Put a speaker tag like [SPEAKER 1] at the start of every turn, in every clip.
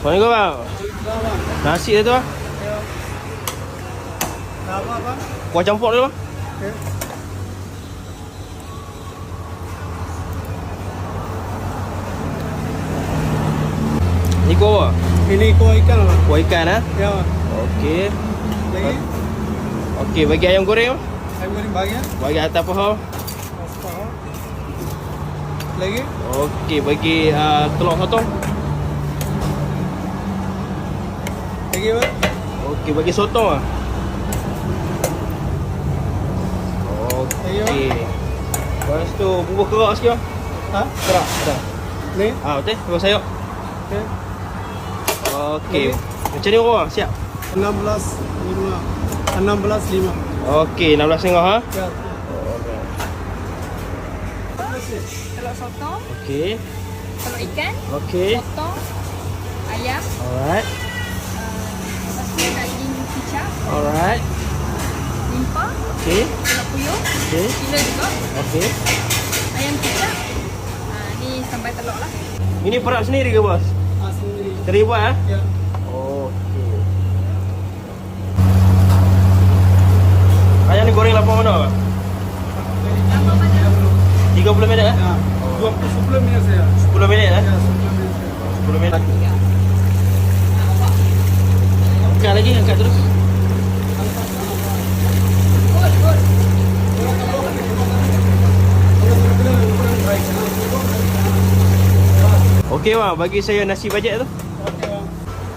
[SPEAKER 1] Assalamualaikum bang. Nasi dia tu bang.
[SPEAKER 2] Apa bang?
[SPEAKER 1] Kuah campur dia bang.
[SPEAKER 2] Okay.
[SPEAKER 1] Ni kuah apa?
[SPEAKER 2] Ini kuah ikan bang.
[SPEAKER 1] Kuah ikan ah.
[SPEAKER 2] Ya bang.
[SPEAKER 1] Okey.
[SPEAKER 2] Lagi?
[SPEAKER 1] Okey, bagi ayam goreng bang.
[SPEAKER 2] Ayam goreng bagian.
[SPEAKER 1] Bagi atas paha.
[SPEAKER 2] Lagi?
[SPEAKER 1] Okey, bagi telur sotong.
[SPEAKER 2] Lagi bang?
[SPEAKER 1] Okey, bagi sotong ah. Okey. Lepas tu bubur kerak sikit bang.
[SPEAKER 2] Ha?
[SPEAKER 1] Kerak, ada.
[SPEAKER 2] Ni?
[SPEAKER 1] Betul. Bubur sayur.
[SPEAKER 2] Okay.
[SPEAKER 1] Okey. Macam ni orang siap.
[SPEAKER 2] 16.5. 16.5.
[SPEAKER 1] Okey, 16.5 ha.
[SPEAKER 2] Ya.
[SPEAKER 3] Telur sotong,
[SPEAKER 1] Okey.
[SPEAKER 3] telur ikan,
[SPEAKER 1] Okey.
[SPEAKER 3] potong, ayam,
[SPEAKER 1] Alright.
[SPEAKER 3] lepas tu daging kicap,
[SPEAKER 1] Alright.
[SPEAKER 3] limpa,
[SPEAKER 1] Okey.
[SPEAKER 3] telur puyuh,
[SPEAKER 1] Okey.
[SPEAKER 3] gila juga,
[SPEAKER 1] Okey.
[SPEAKER 3] ayam kicap. Ni sambal telur lah.
[SPEAKER 1] Ini perak sendiri ke bos?
[SPEAKER 2] Sendiri.
[SPEAKER 1] Sendiri buat eh?
[SPEAKER 2] Ya.
[SPEAKER 1] Okey. Ayam ni goreng lapar mana bang?
[SPEAKER 3] Lama mana?
[SPEAKER 1] 30 minit eh?
[SPEAKER 2] Ya. 10 minit saya.
[SPEAKER 1] 10 minit eh?
[SPEAKER 2] Ya, 10 minit saya.
[SPEAKER 1] 10 minit. Angkat lagi, angkat terus. Okey bang, bagi saya nasi bajet tu.
[SPEAKER 2] Okey bang.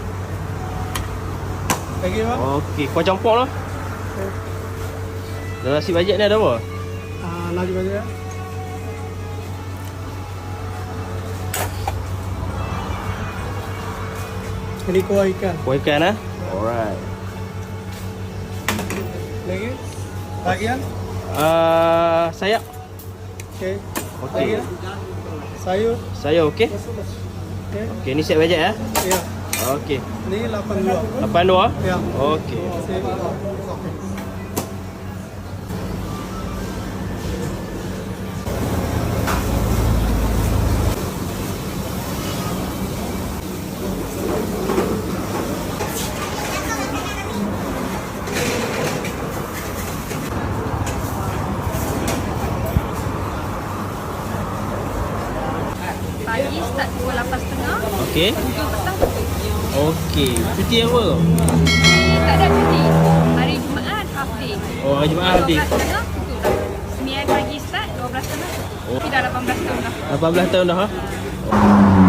[SPEAKER 2] Lagi bang?
[SPEAKER 1] Okey, kuah campur lah. Dalam nasi bajet ni ada apa?
[SPEAKER 2] Nasi bajet. Ini kuah ikan.
[SPEAKER 1] Kuah ikan eh? Alright.
[SPEAKER 2] Lagi? Bagian?
[SPEAKER 1] Sayap.
[SPEAKER 2] Okey.
[SPEAKER 1] Okey.
[SPEAKER 2] Lagi? Sayur.
[SPEAKER 1] Sayur okey.
[SPEAKER 2] Okey.
[SPEAKER 1] Okey, ni set bajet eh?
[SPEAKER 2] Ya.
[SPEAKER 1] Okey.
[SPEAKER 2] Ini 82.
[SPEAKER 1] 82 ah?
[SPEAKER 2] Ya.
[SPEAKER 1] Okey.
[SPEAKER 3] Pagi start pukul 8.30,
[SPEAKER 1] Okey.
[SPEAKER 3] hujung petang pukul 7.
[SPEAKER 1] Okey. Cuti apa tu?
[SPEAKER 3] Tak ada cuti. Hari Jumaat half day.
[SPEAKER 1] Oh, hari Jumaat half day.
[SPEAKER 3] 12.30 tutup dah. Sembilan pagi start, 12.30 tutup.
[SPEAKER 1] Oh.
[SPEAKER 3] Kita dah 18 tahun dah.
[SPEAKER 1] 18 tahun dah ha?